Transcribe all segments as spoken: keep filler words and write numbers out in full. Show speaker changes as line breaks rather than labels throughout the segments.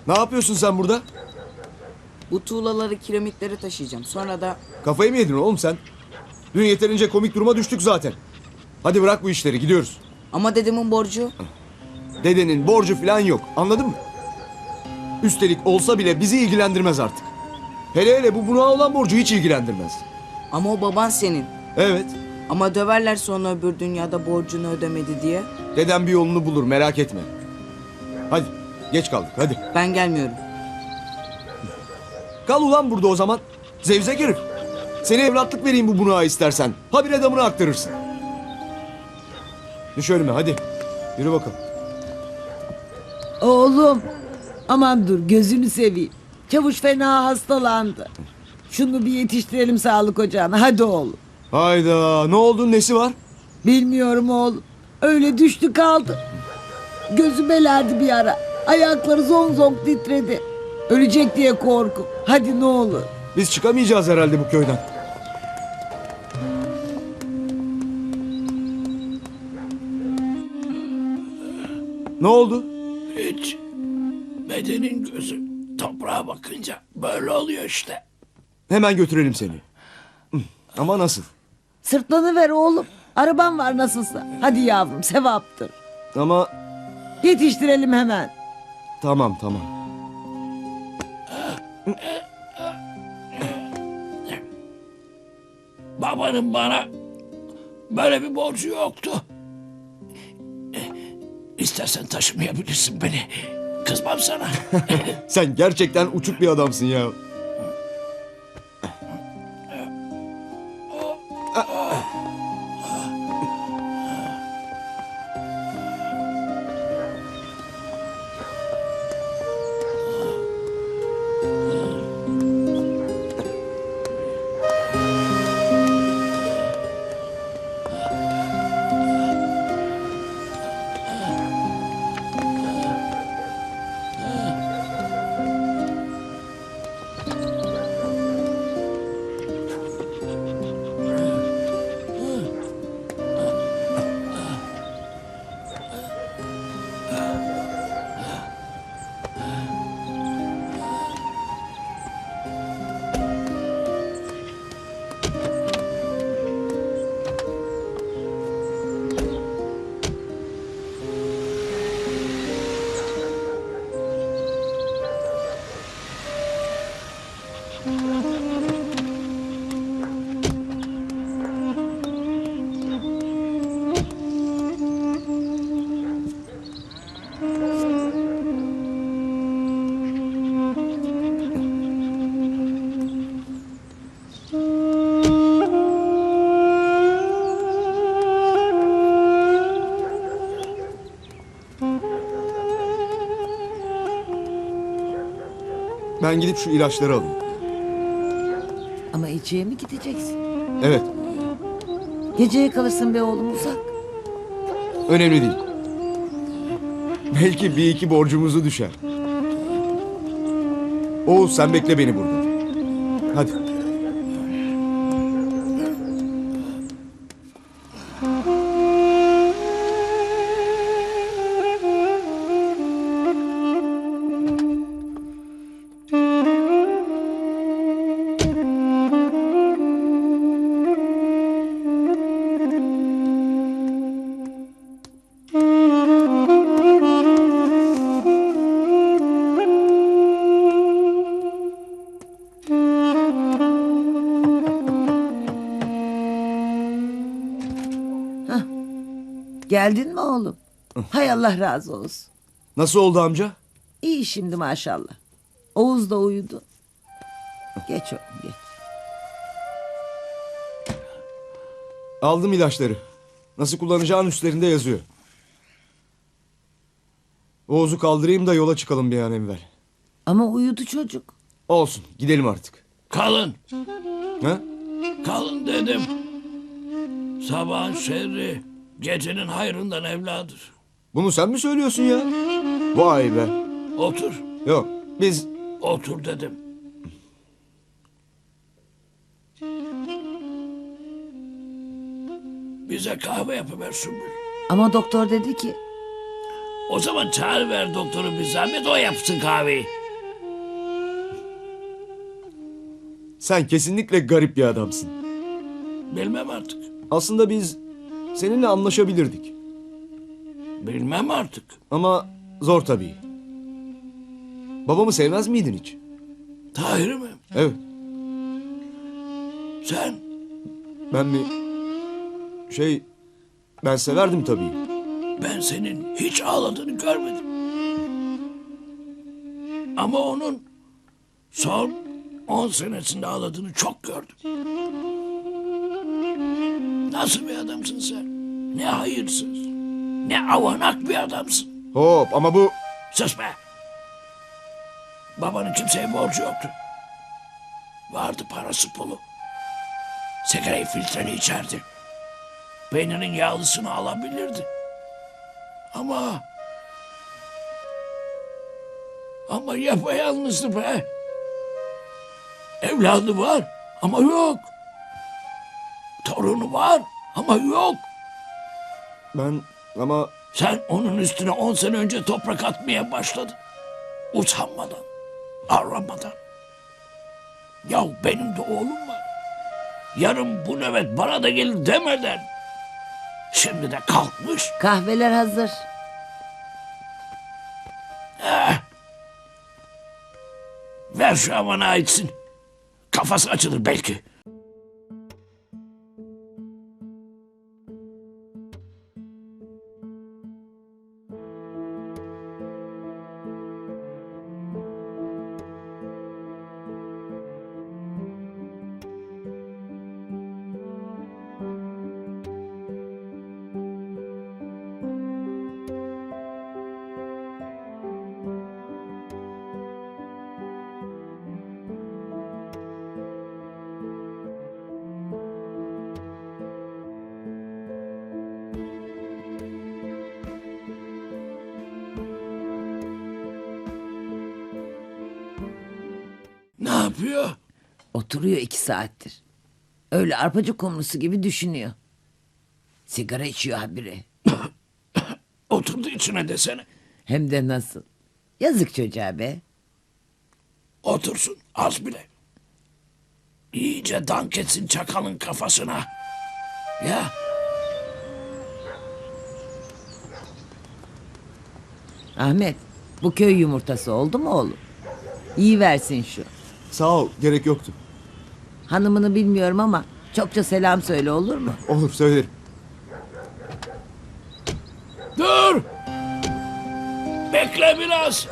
Ne yapıyorsun sen burada?
Bu tuğlaları, kiremitleri taşıyacağım. Sonra da...
Kafayı mı yedin oğlum sen? Dün yeterince komik duruma düştük zaten. Hadi bırak bu işleri, gidiyoruz.
Ama dedemin borcu.
Dedenin borcu falan yok, anladın mı? Üstelik olsa bile bizi ilgilendirmez artık. Hele hele bu bunağa olan borcu hiç ilgilendirmez.
Ama o baban senin.
Evet,
Ama döverler sonra öbür dünyada borcunu ödemedi diye.
dedem bir yolunu bulur, merak etme. Hadi, geç kaldık, hadi.
Ben gelmiyorum.
Kal ulan burada o zaman. Zevzek herif. Seni evlatlık vereyim bu bunağa istersen. Habire damını aktarırsın. Düş önüme hadi. Yürü bakalım.
Oğlum, aman dur gözünü seveyim. Çavuş fena hastalandı. Şunu bir yetiştirelim sağlık ocağına. Hadi oğlum.
Hayda, ne oldu, nesi var?
Bilmiyorum oğlum. Öyle düştü kaldı. Gözü belerdi bir ara. Ayakları zonk zonk titredi. Ölecek diye korku. Hadi ne olur.
Biz çıkamayacağız herhalde bu köyden. Ne oldu?
Hiç. Bedenin gözü toprağa bakınca böyle oluyor işte.
Hemen götürelim seni. Hı, ama nasıl?
Sırtlanı ver oğlum. Araban var nasılsa. Hadi yavrum sevaptır.
Ama
Yetiştirelim hemen.
tamam tamam.
Babanın bana böyle bir borcu yoktu. İstersen taşımayabilirsin beni. Kızmam sana.
Sen gerçekten uçuk bir adamsın ya. Ben gidip şu ilaçları alayım.
Ama içeye mi gideceksin?
Evet,
Geceye kalırsın be oğlum uzak.
önemli değil. Belki bir iki borcumuzu düşer. Oğuz sen bekle beni burada. Hadi.
Geldin mi oğlum? Hay Allah razı olsun.
Nasıl oldu amca?
İyi şimdi maşallah. Oğuz da uyudu. Geç oğlum geç.
Aldım ilaçları. Nasıl kullanacağın üstlerinde yazıyor. Oğuz'u kaldırayım da yola çıkalım bir an evvel.
Ama uyudu çocuk.
Olsun, gidelim artık.
Kalın.
Ha?
Kalın dedim. Sabahın şerri gecenin hayrından evladır.
Bunu sen mi söylüyorsun ya? Vay be.
Otur.
Yok, biz
Otur dedim. Bize kahve yapıver Sümbül.
Ama doktor dedi ki
O zaman çağır ver doktoru bir zahmet o yapsın kahveyi.
Sen kesinlikle garip bir adamsın.
Bilmem artık.
Aslında biz seninle anlaşabilirdik.
Bilmem artık.
Ama zor tabii. Babamı sevmez miydin hiç?
Tahir mi?
Evet.
Sen
Ben mi? Şey... Ben severdim tabii.
ben senin hiç ağladığını görmedim. Ama onun son on senesinde ağladığını çok gördüm. Nasıl bir adamsın sen? Ne hayırsız, ne avanak bir adamsın.
Hop ama bu...
Sus be! Babanın kimseye borcu yoktu. Vardı parası pulu. Sigarayı filtreli içerdi. Peynirin yağlısını alabilirdi. Ama... Ama yapayalnızdı be. Evladı var ama yok. Torunu var ama yok.
Ben ama...
Sen onun üstüne on sene önce toprak atmaya başladın. Utanmadan, aramadan. Ya benim de oğlum var. Yarın bu nöbet bana da gelir demeden. Şimdi de kalkmış.
Kahveler hazır.
Ver şu amana içsin. Kafası açılır belki. Ne yapıyor?
Oturuyor iki saattir. Öyle arpacık kumrusu gibi düşünüyor. Sigara içiyor habire.
Oturdu içine desene.
Hem de nasıl. Yazık çocuğa be.
Otursun az bile. İyice dank etsin çakalın kafasına. Ya
Ahmet, bu köy yumurtası oldu mu oğlum? İyi versin şu.
Sağ ol, gerek yoktu.
Hanımını bilmiyorum ama çokça selam söyle, olur mu?
Olur, söylerim.
dur. Bekle biraz.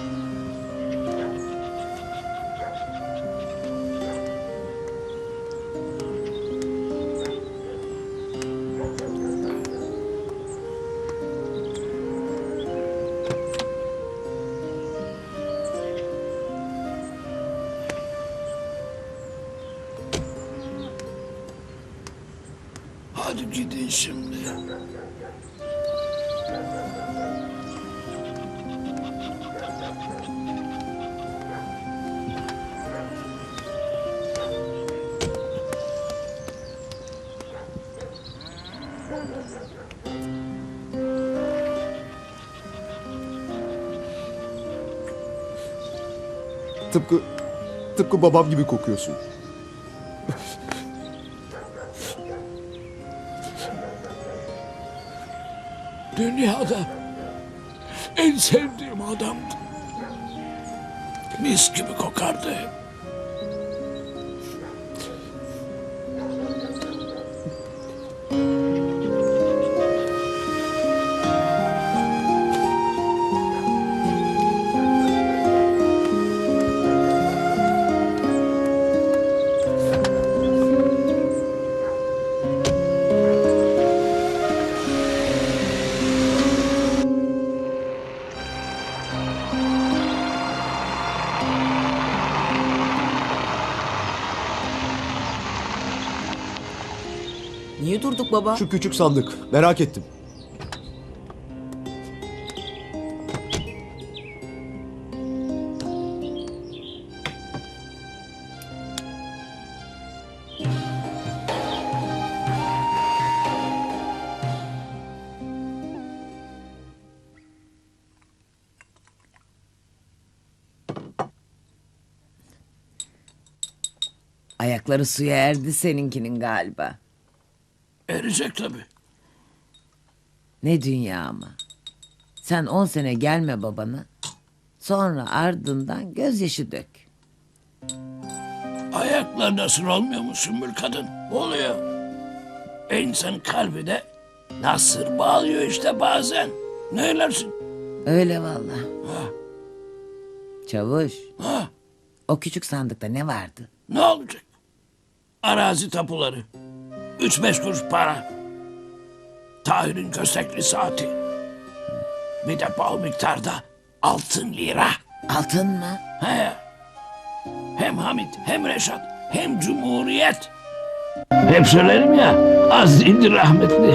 Hadi gidin şimdi.
Tıpkı... Tıpkı babam gibi kokuyorsun.
Dünyada en sevdiğim adamdı. Mis gibi kokardı hep.
Niye durduk baba?
Şu küçük sandık, merak ettim.
Ayakları suya erdi seninkinin galiba.
Erecek tabii.
Ne dünya ama. Sen on sene gelme babana. Sonra ardından gözyaşı dök.
Ayaklar nasıl olmuyor mu Sümbül kadın? Oluyor. E insanın kalbi de nasır bağlıyor işte bazen. Ne eylersin?
Öyle vallahi.
Ha,
Çavuş,
ha,
o küçük sandıkta ne vardı?
ne olacak? Arazi tapuları. Üç beş kuruş para. Tahir'in köstekli saati. Bir de bol miktarda altın lira.
Altın mı?
He. Hem Hamit hem Reşat hem Cumhuriyet. Hep söylerim ya az değildir rahmetli.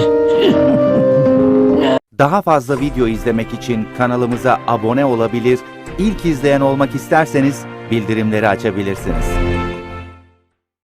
Daha fazla video izlemek için kanalımıza abone olabilir, ilk izleyen olmak isterseniz bildirimleri açabilirsiniz.